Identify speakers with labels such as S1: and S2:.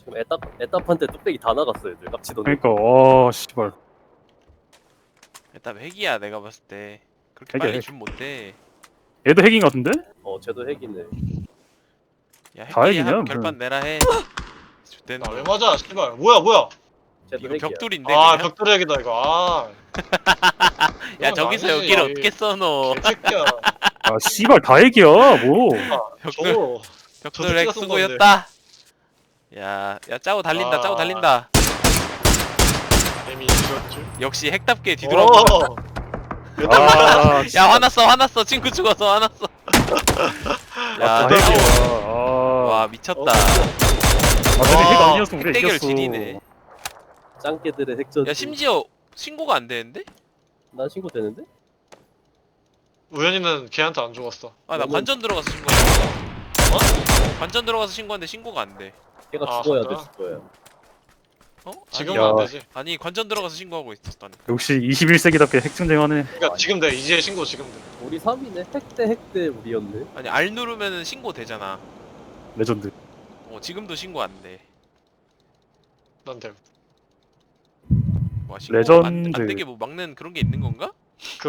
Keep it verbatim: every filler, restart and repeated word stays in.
S1: 지금 에따 에따한테 뚝배기 다 나갔어요. 애들 깝치던.
S2: 그러니까 와 씨발.
S3: 일단 핵이야 내가 봤을 때. 그렇게
S2: 핵이야,
S3: 빨리
S2: 핵.
S3: 줌 못해.
S2: 얘도 핵인 것 같은데?
S1: 어, 쟤도 핵이네.
S3: 야
S2: 다
S3: 핵끼리
S2: 핵이냐,
S3: 합
S2: 무슨.
S3: 결판 내라 해. 좆된
S4: 나 왜
S3: 거.
S4: 맞아 씨발. 뭐야 뭐야.
S1: 쟤도
S3: 이거
S1: 핵이야.
S3: 벽돌인데
S4: 아
S3: 그냥?
S4: 벽돌 핵이다 이거. 아.
S3: 야
S4: 이건
S3: 저기서
S4: 아니지.
S3: 여기를 어떻게 써너.
S4: 개새끼야.
S2: 아 씨발 다 핵이야 뭐.
S3: 벽돌
S4: 저거
S3: 벽돌
S4: 새끼가
S3: 핵
S4: 쓴
S3: 수고였다. 야, 야 짜고 달린다.
S4: 아.
S3: 짜고 달린다.
S4: 이미 죽었지.
S3: 역시 핵답게 뒤돌아보고.
S4: 오.
S2: 아
S3: 야 화났어 화났어 친구 죽어서 화났어. 야
S2: 다
S4: 대단하다.
S2: 핵이야. 아,
S3: 와 미쳤다.
S4: 어,
S2: 아 근데 핵
S4: 와,
S2: 아니었으면 우리
S3: 핵대결
S2: 이겼어.
S3: 지리네.
S1: 짱깨들의 핵전.
S3: 야 심지어 신고가 안 되는데?
S1: 난 신고 되는데?
S4: 우연이는 걔한테 안 죽었어.
S3: 아 나
S1: 너는-
S3: 관전 들어가서 신고했어.
S4: 어?
S3: 관전 들어가서 신고했는데 신고가 안 돼.
S1: 걔가
S4: 아,
S1: 죽어야
S4: 진짜?
S1: 됐을 거야.
S3: 어?
S4: 지금은
S2: 야.
S4: 안 되지.
S3: 아니, 아니 관전 들어가서 신고하고 있었다니.
S2: 역시 이십일 세기답게 핵 전쟁하네.
S4: 그러니까 지금 돼. 이제 신고 지금 돼.
S1: 우리 삼 위네. 핵대 핵대 우리였네.
S3: 아니 R 누르면은 신고 되잖아.
S2: 레전드.
S3: 어 지금도 신고 안 돼.
S4: 난 돼.
S3: 와 신고 안,
S2: 레전드.
S3: 안 되게 뭐 막는 그런 게 있는 건가?